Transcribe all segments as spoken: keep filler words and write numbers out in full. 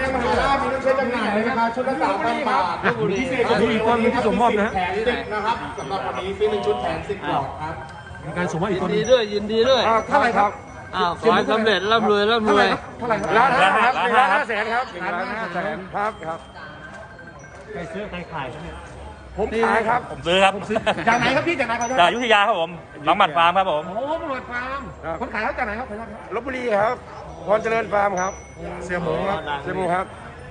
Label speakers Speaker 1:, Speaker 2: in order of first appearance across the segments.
Speaker 1: งมหาราชมีน้ำเชื้อจำหน่ายเลยนะคะชุดละสามพันบาทพิเศษก็มีคนที่ส่งมอบนะแถมสิบนะครับสำหรับวันนี้ซื้อหนึ่งชุดแถมสิบหลอดครับ
Speaker 2: มีการส่งมอบอีกคน
Speaker 3: ยินดีด้วยยินดีด้วย
Speaker 2: เท่าไหร่ครับ
Speaker 3: อ้าวขอให้สำเร็จร่ำรวยร่ำรวย
Speaker 2: เท่าไหร่ครับ
Speaker 1: ล้านห้าครับหนึ่งล้านห้าแสนครับ
Speaker 2: ล้านห้าแสนครับครับ
Speaker 4: ใครซื้อใครขายเนี่ย
Speaker 2: ผมขายครับ
Speaker 5: ผมซื้อครับ
Speaker 1: จากไหนครับพี่จากไหนครับ
Speaker 5: จากอยุธยาครับผมบางหมัดฟาร์มครับผม
Speaker 1: โอ้บางหมัดฟาร์มคนขายเขาจากไหนครับ
Speaker 2: ลพบุรีครับพรเจริญฟาร์มครับเสี่ยหมูครับเสี่ยหมูครับ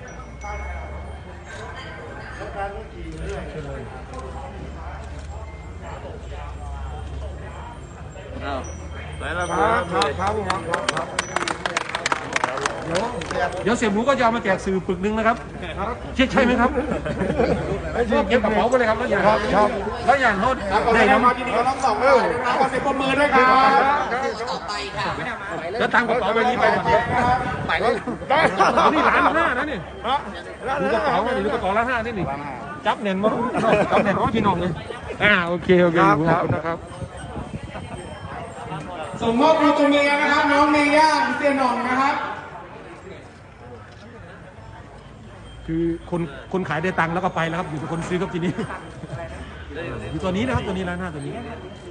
Speaker 3: อ้าวไปแล้วค
Speaker 2: ค
Speaker 3: รั
Speaker 2: รั
Speaker 3: บบ
Speaker 2: ครับครับครับ
Speaker 1: เดี๋ยวเดี๋ยวเสี่ยหมูก็จะเอามาแจกสื่อปึกนึงนะครับใช่ใช่ไหมครับชอบเก็บกระเป๋าไปเลยครับแล้วอย่างชอบแล้วอย่างโน้ตได้ครับที่นี่เขาต้องสองเลยขอเสียงปรบมือด้วยครับ
Speaker 6: ต่อไปค่ะ
Speaker 1: แล้วตามกระเป๋าใบนี้ไปไปเลยนี่ล้านห้านะนี่ดูกระเป๋านี่ดูกระเป๋าล้านห้านี่นี่จับเน่นมั้งจับเน่นมั้งพี่น้องเลยอ่าโอเคโอเคขอบคุณนะครับส่งมอบดูตัวเมียนะครับน้องเมย่าเสียหน่องนะครับคือคนคนขายได้ตังค์แล้วก็ไปแล้วครับอยู่กับคนซื้อครับทีนี้อยู่ตัวนี้นะครับตัวนี้ร้านหน้าตัวนี้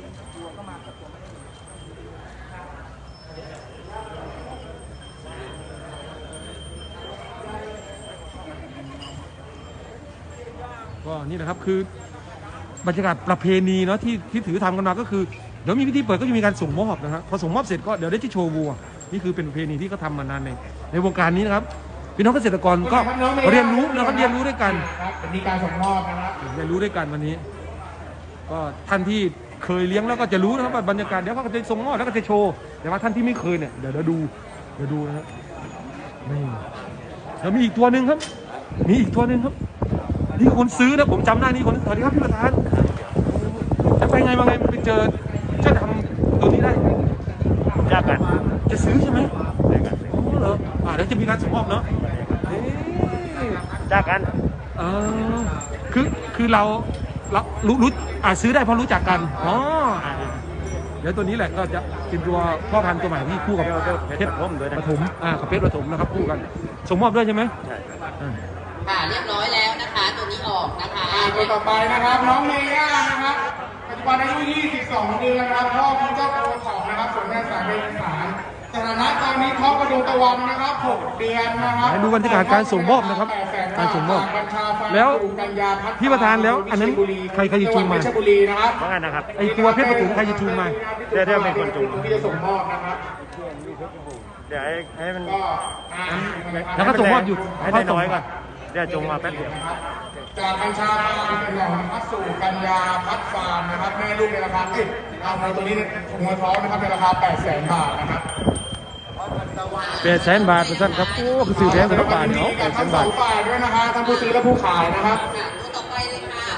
Speaker 1: ก็นี่นะครับคือบรรยากาศประเพณีเนาะที่ที่ถือทำกันมาก็คือเดี๋ยวมีพิธีเปิดก็จะมีการส่งมอบนะครับพอส่งมอบเสร็จก็เดี๋ยวได้ที่โชว์วัวนี่คือเป็นประเพณีที่เขาทามานานในในวงการนี้นะครับพี่น้องเกษตรกรก็เรียนรู้นะครับเรียนรู้ด้วยกันเป็นการส่งมอบนะครับเรียนรู้ด้วยกันวันนี้ก็ท่านที่เคยเลี้ยงแล้วก็จะรู้นะครับว่าบรรยากาศเดี๋ยวเขาก็จะส่งมอบแล้วก็จะโชว์แต่ว่าท่านที่ไม่เคยเนี่ยเดี๋ยวเดี๋ยวดูเดี๋ยวดูนะครับนี่แล้วมีอีกตัวหนึ่งครับมีอีกตัวหนึ่งครับนี่คนซื้อนะผมจำหน้านี้คนสวัสดีครับพี่ประธานจะไปไงมาไงไปเจอเจ้าดำตัวนี้ได้
Speaker 5: ยากกัน
Speaker 1: จะซื้อใช่ไหมโอ้เหรออ่าเดี๋ยวจะมีการส่งมอบเนาะ
Speaker 5: ยากกัน
Speaker 1: เออคือคือเราเรารู้รู้อ่าซื้อได้เพราะรู้จักกันอ๋อเดี๋ยวตัวนี้แหละก็จะเป็นตัวพ่อพันธุ์ตัวใหม่ที่คู่กับเพชรปฐมอ่ากับเพชรปฐมนะครับคู่กันส่งมอบด้วยใช่ไหมใช่
Speaker 6: ค่ะเรียบร้อยแล้วนะคะตัวนี้ออกนะคะ
Speaker 1: ตัวต่อไปนะครับน้องเมย่านะครับปัจจุบันอายุยี่สิบสองเดือนนะครับพ่อคุณเจ้าโกสองนะครับส่วนแม่สายเป็นสารสถานะตอนนี้ท้องกระดูกตะวันนะครับหกเดือนนะครับดูบรรยากาศการส่งมอบนะครับการส่งมอบแล้วพี่ประธานแล้วอันนั้นใครใครจะจูงมา
Speaker 5: ว่าไงนะครับ
Speaker 1: ไอตัวเพชรปฐมใครจะจูงมา
Speaker 5: เดี๋ยวเดี๋ยวเป็นคนจูง
Speaker 1: ที่จะส่งมอบนะครับ
Speaker 5: เดี๋ยวให้ให้มัน
Speaker 1: แล้วก็ส่งมอบหยุด
Speaker 5: ให้ได้น้อยก่อนเดี๋ยวจูงมาแป๊บเดียว
Speaker 1: จากกัญชาฟาร์มเป็นหล่อพัดสู่กัญญาพัดฟาร์มนะครับแม่ลูกในราคาเอ้ยเอาในตัวนี้หัวท้องนะครับในราคาแปดแสนบาทนะครับแปดแสนบาทท่านครับโอ้คือซื้อแพงกว่าบาทเนาะแปดแสนบาทฝ่ายด้วยนะคะทั้งผู้ซื้อและผู้ขายนะครับ
Speaker 6: ตัวต่อไปเลยค่ะ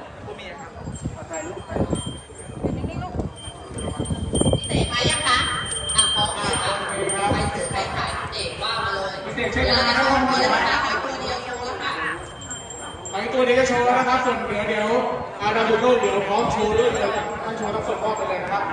Speaker 6: เตะมายังคะอ่ะพอค่ะใครซื้อใครขายเตะว่ามาเลย
Speaker 1: เตะเช็คเลยนะครับ
Speaker 6: ตัวเดียวนะคะตัวเดียวโชว์แล้วค่ะ
Speaker 1: ไปตัวเดียวจะโชว์แล้วนะครับส่วนเดี๋ยวเดี๋ยวอาดาบุโก้เดี๋ยวพร้อมโชว์ด้วยเลยถ้าโชว์ต้องส่งมอบไปเลยนะครับ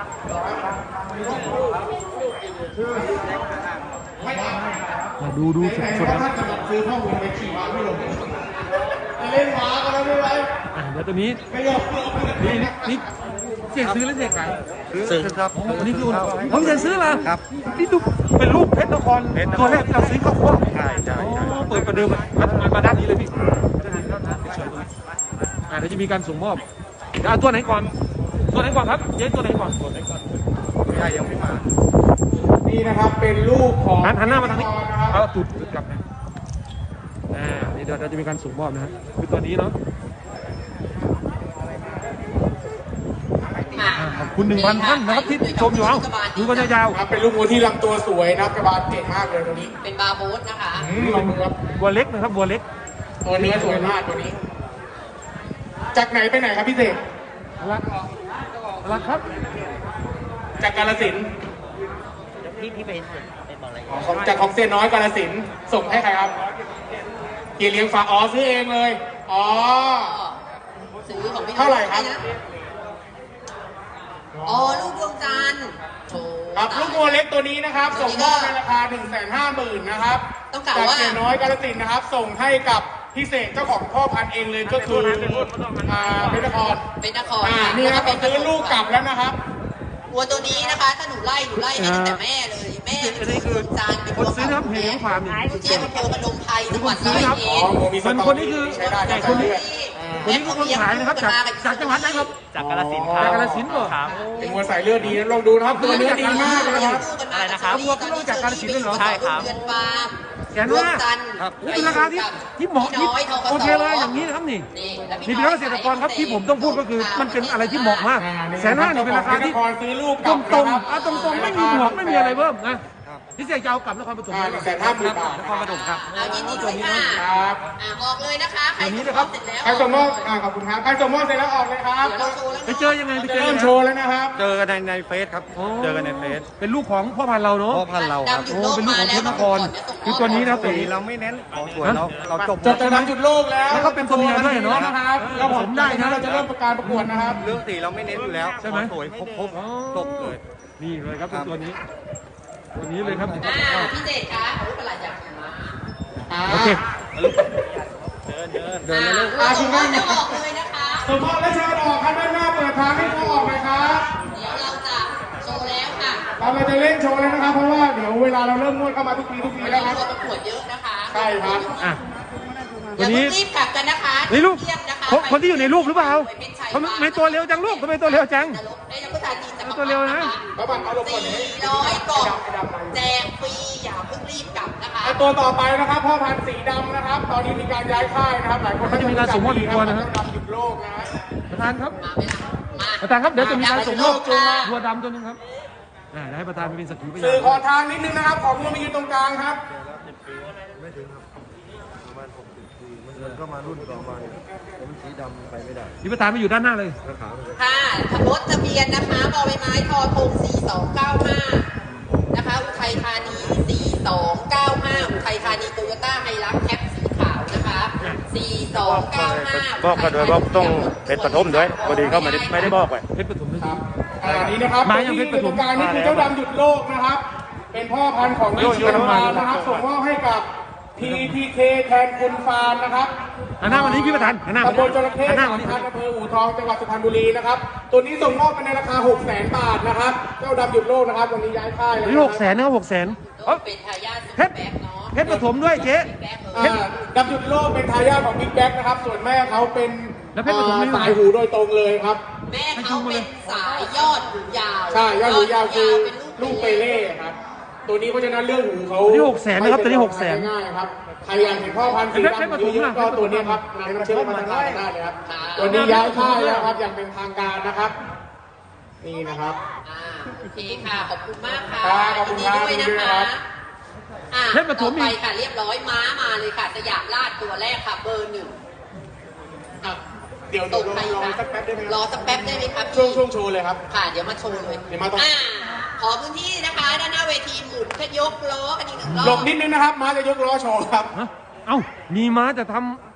Speaker 1: มาดูดูสดสดนะถ้าจะซื้อข้อมูลไปขี่ม้าไม่ลงเล่นม้ากันแล้วไม่ไหวเดี๋ยวตัวนี้นี่นี่เสียซื้อแล้วเสียขาย
Speaker 5: ซื้อครับ
Speaker 1: นี่คือผมจะซื้อมาครับนี่ดูเป็นรูปเพชรนครตัวแรกที่เราซื้อเข้าครัว
Speaker 5: ใช่ใช่
Speaker 1: เปิดประเดิมมามาด้านนี้เลยพี่อ่าเดี๋ยวจะมีการส่งมอบจะเอาตัวไหนก่อนตัวไหนก่อนครับเจ๊ตัวไหนก่อนตัวไหนก่อน
Speaker 5: ใช่ยังไม่มา
Speaker 1: นี่นะครับเป็นลูกของหันหน้ามาทางนี้เอาจุดจุดกลับนะอ่านี่เดี๋ยวเราจะมีการส่งมอบนะฮะคือตัวนี้เนาะขอบคุณหนึ่งพันท่านนะครับที่ชมอยู่เอาดูกันยาวๆเป็นลูกวัวที่ลำตัวสวยนะกระบาลเก่งมากเลยตัวนี้
Speaker 6: เป็นบาโบสนะคะ
Speaker 1: วัวเล็กนะครับวัวเล็กตัวเนื้อสวยมากตัวนี้จากไหนไปไหนครับพี่เสกรักรักครับจากกาฬสินธุ์
Speaker 6: พี่พี่ไปไปบอกอะไร
Speaker 1: ของจากของเซียนน้อยกาฬสินธุ์ส่งให้ใครครับเกียร์เลี้ยงฝากอ๋อซื้อเองเลยอ๋อ
Speaker 6: ซื้อของพี่
Speaker 1: เท่าไหร่ครับ
Speaker 6: อ๋อลูกดวงจันทร์
Speaker 1: ครับลูกวัวเล็กตัวนี้นะครับส่งมอบในราคาหนึ่งแสนห้าหมื่นนะครับ
Speaker 6: ต้องกล่าว
Speaker 7: จาก
Speaker 6: ว่า
Speaker 7: เสียน้อยกาฬสินธุ์นะครับ ส่งให้กับพิเศษเจ้าของพ่อพันธุ์เองเลยก็คืออ่าเพชรนคร
Speaker 6: เป็นนคร
Speaker 7: อ่านี่นะครับ
Speaker 6: แล้วก็
Speaker 7: ซื้อลูกกลับแล้วนะครับ
Speaker 6: วัวตัวนี้นะคะ ถ้าหนูไล่หนูไล่ให้ตั้งแต่แม่เลย แม่เป็นคนจานเป็น
Speaker 1: คนซื้อนะครับเพจของฟาร์มนี่
Speaker 6: เจี๊ยบอำเภอพนมไพรจังหวัด
Speaker 1: ซื้
Speaker 6: ร้
Speaker 1: อ
Speaker 6: อย
Speaker 1: ครับ
Speaker 6: เอ็
Speaker 7: อ๋อ
Speaker 6: ด
Speaker 7: โมมีส
Speaker 1: ส่วน
Speaker 7: ตอ
Speaker 1: คนนี้คือ
Speaker 7: ใช้ได้
Speaker 1: แต่
Speaker 7: ใช้
Speaker 1: คนนี้
Speaker 7: ได้
Speaker 1: คนนี้คือคนขายนะครับจากจากจังหวัดไหนครับ
Speaker 4: จากกาฬสินธุ์ครับ
Speaker 1: จากกาฬสินธุ์เหรอ
Speaker 4: ครับ
Speaker 7: เป็นวัวสายเลือดดีนะลองดูนะครับตัวเนื้อดีมากเลยนะครับ
Speaker 4: อะไรนะครับ
Speaker 1: วัวเขารู้จักกาฬสินธุ์ด้วยเหรอ
Speaker 4: ใช่ครับ
Speaker 6: เดือนฟาร์ม
Speaker 1: แสนห้าครับเป็นราคาที่ที่เหมาะที่โอเคเลยอย่างนี้นะครับนี่นี่เป็นเกษตรกรครับที่ผมต้องพูดก็คือมันเป็นอะไรที่เหมาะมากแสนห้านี่เป็นราคาที่
Speaker 7: นครซื้อลูกก
Speaker 1: ต
Speaker 7: ลั
Speaker 1: ร
Speaker 7: บ
Speaker 1: งตรง
Speaker 7: นะครับ
Speaker 1: ๆอ่ะตรงตรงๆไม่มีบวกไม่มีอะไรเพิ่มนะที่เสียจะเอากลับนครปฐม
Speaker 7: อ่าหนึ่งแสนห้าหมื่นบาท
Speaker 1: นครปฐมครับ
Speaker 6: เอายินดีด้วยค่ะ
Speaker 7: ครับ
Speaker 6: อ่าออกเลยนะคะ ใคร
Speaker 1: ตัวนี้
Speaker 6: ส่
Speaker 1: นะ
Speaker 6: ง
Speaker 1: ค
Speaker 6: ม
Speaker 1: รั
Speaker 6: อ
Speaker 1: บบ
Speaker 6: เสร็จแล้ว
Speaker 7: ใครส่งมอบอ่าขอบคุณครับใครส่งมอบเสร็จแล้วออกเลยครับ
Speaker 6: เดี๋ยวเราโชว์แล้ว
Speaker 1: ไปเจอยังไงไปเจอ
Speaker 7: เริ่
Speaker 1: ยั
Speaker 7: ม
Speaker 1: งไง
Speaker 7: โชว์แล้วนะครับ
Speaker 5: เจอกันในในเฟซครับ
Speaker 1: อ๋อ
Speaker 5: เจอกันในเฟซ
Speaker 1: เป็นลูกของพ่อพันธุ์เราเนาะ
Speaker 5: พ่อพันธุ์เราครับ
Speaker 6: ดำอยู่
Speaker 1: โอ้เป็นลูกของเพชรนครคือตัวนี้นะตัว
Speaker 5: สี
Speaker 1: นี้
Speaker 5: เราไม่เน้นของสวยเราเราจบ
Speaker 7: จบจากนั้นจุดโลกแล้ว
Speaker 1: แล้วก็เป็นตัวเมียด้วยเนอะ
Speaker 7: นะครับแล้วผมได้นะเราจะเริ่มประกาศประกวดนะครับ
Speaker 5: เรื่องสีเราไม่เน้นอยู่แล้ว
Speaker 1: ใช่ไหม
Speaker 5: ของสวยครบครบ
Speaker 1: อ๋อ
Speaker 5: จบเลย
Speaker 1: นี่เลยครับเป็นตัวนี้ ตัวนี้เลยครับ
Speaker 6: อ่าพี่เจตคะขอรูปประหลาดอยากเห็นมา
Speaker 1: โอเค
Speaker 6: เดินเลยลูกอ่าคุณแม่จะออกเลยนะคะ
Speaker 7: ส่งมอบและเชิญออกครับด้านหน้าเปิดทางให้เขาออกเลยครับ
Speaker 6: เดี๋ยวเราจะโชว์แล้วค่ะ
Speaker 7: เราเราจะเล่นโชว์เลยนะครับ เพราะว่าเดี๋ยวเวลาเราเริ่มนวดเข้ามาทุกปีทุกปี
Speaker 6: วัน
Speaker 7: แล้
Speaker 6: นี้
Speaker 7: วครับ
Speaker 6: ตัวประกวดเยอะนะคะ
Speaker 7: ใช่ครับ
Speaker 1: อ่ะ
Speaker 6: อ
Speaker 1: ตัว
Speaker 6: ย่า
Speaker 1: นี้
Speaker 6: เพิ่งรีบกลับกันนะคะ
Speaker 1: ในรูป
Speaker 6: เทียบนะคะ
Speaker 1: คนคนที่อยู่ในรูปหรือเปล่า
Speaker 6: ไปเป็นชัย
Speaker 1: ทำไมไม่ตัวเร็วจังลูกทำไมตัวเร็วจัง
Speaker 6: นรกได้นักภาษาจีนจะมา
Speaker 1: ตัวเร็วนะ
Speaker 7: เขาบังเอาลงก่อนนี้
Speaker 6: สี่ร้อยกล่องแจกฟรีอย่าเพิ่งรีบกลับนะคะ
Speaker 7: ไอตัวต่อไปนะครับพ่อพันธุ์สีดำนะครับ ตอนนี้มีการย้ายค่ายนะครับหลายคน
Speaker 1: เขาจะมีการส่งมอบอีกตัวนะฮะ
Speaker 7: ดำหยุดโลกนะฮะ
Speaker 1: ประธานครับ
Speaker 6: มาไหมล่ะมา
Speaker 1: ประธานครับเดี๋ยวจะมีการส่งมอบ
Speaker 6: ค่ะ
Speaker 1: ตัวดำตัวหนึงครับอ่าเดี๋ยวให้ประธานไปเป็นสักขีพยา
Speaker 7: สื่อน ขอทางนิดนึงนะครับ ขอมือมายืนตรงกลางครับ
Speaker 2: มันก็มารุ่นต่อมามันสีดำไปไม่ได้
Speaker 1: นี่ประธานไปอยู่ด้านหน้าเลย
Speaker 6: ค่ะรถทะเบียนนะคะบอใบไม้ทอทงสี่สองเก้าห้านะคะอุทัยธานีสี่สองเก้าห้าอุทัยธานีโตโยต้าไฮรักแคปสีขาวนะคะสี่สองเก้าห้า
Speaker 5: บอกกันด้วยบอกต้องเป็นปฐมด้วยพอดีเขาไม่ได้ไม่ได้บอกไว้
Speaker 1: เพชรปฐมด้วย
Speaker 7: อันนี้นะครับ
Speaker 1: มายังเพชรปฐม
Speaker 7: ตรงกลางนี่คือเจ้าดำหยุดโลกนะครับ เป็นพ่อพันธุ์ของนิชินฟาร์มนะครับ ส่งมอบให้กับ ที ที เค แทนคุณฟาร์มนะครับ
Speaker 1: หันหน้าวันนี้พี่ประธานหันหน้า
Speaker 7: ตำบลจระเข้
Speaker 1: หันหน้า
Speaker 7: สา
Speaker 1: วัน
Speaker 7: ม
Speaker 1: นี้
Speaker 7: พันอำเภออู่ทองจังหวัดสุพรรณบุรีนะครับ ตัวนี้ส่งมอบไปในราคา หกแสน บาทนะครับ เจ้าดำหยุดโลกนะครับ วันนี้ย้ายค่ายแล้ว
Speaker 1: นี่หกแสนนะครับหกแสน
Speaker 6: เป็นทายาท
Speaker 1: เพชรเพชรปฐมด้วยเจ๊
Speaker 7: อ่าดำหยุดโลกเป็นทายาทของบิ๊กแบ็กนะครับ ส่วนแม่เขาเป็น
Speaker 1: แล้วเพชรปฐมนี่
Speaker 7: อ่าสายหูโดยตรงเลยครับ
Speaker 6: แม่เขาเป็นสายยอดหูยาว
Speaker 7: ใช่ยอดหูยาวคือ
Speaker 6: เป็น
Speaker 7: ลูกเปเล่ครับ ตัวนี้เพราะฉะนั้นเรื่องหูเขา
Speaker 1: ตัวนี้หกแสนนะครับตัวนี้หกแสน
Speaker 7: ง่ายๆครับ ใครอยากเห็นพ่อพันธุ์สี
Speaker 1: เพชรป
Speaker 7: ดำ
Speaker 1: ฐม
Speaker 7: เยอะ
Speaker 1: ล่ะ
Speaker 7: ๆก็ตัวนี้ครับนำน้ำเชื่อมมาทางได้เลยครับ ตัวนี้ย้ายค่ายแล้วครับอย่างเป็นทางการนะครับ นี่นะครับ
Speaker 6: อ่าโอเคค่ะ ขอบคุณมากค่ะ
Speaker 7: ครับขอบคุณครับ
Speaker 6: ยินดีด้วยนะ
Speaker 7: ครั
Speaker 6: คะ
Speaker 7: บ
Speaker 6: อ่า
Speaker 1: เพชรปฐ
Speaker 6: ต่อ
Speaker 1: ม
Speaker 6: ไป
Speaker 1: อีก
Speaker 6: ค่ะเรียบร้อยม้ามาเลยค่ะ สยามราชตัวแรกค่ะ เบอร์หนึ่ง
Speaker 7: อ่ะเดี๋ยว
Speaker 6: ต
Speaker 7: เดี๋ยว
Speaker 6: ก
Speaker 7: รอ
Speaker 6: ไป
Speaker 7: รอสักแป๊บได้ไหมค
Speaker 6: ร
Speaker 7: รั
Speaker 6: อบ สักแป๊บได้ไหมครับ
Speaker 7: ช่วงช่วงโชว์เลยครับ
Speaker 6: ค่ะ เดี๋ยวมาโชว์เลย
Speaker 7: เดี๋ยวมาตรง
Speaker 6: อ่าขอพื้นที่นะคะ ด้านหน้าเวทีหมุนขยกล้อกันอีกหนึ่งรอบ
Speaker 7: หลบนิดนึงนะครับ มาจะยกล้อโชว์ครับ
Speaker 1: ฮะเอ้ามีม้าจะทำ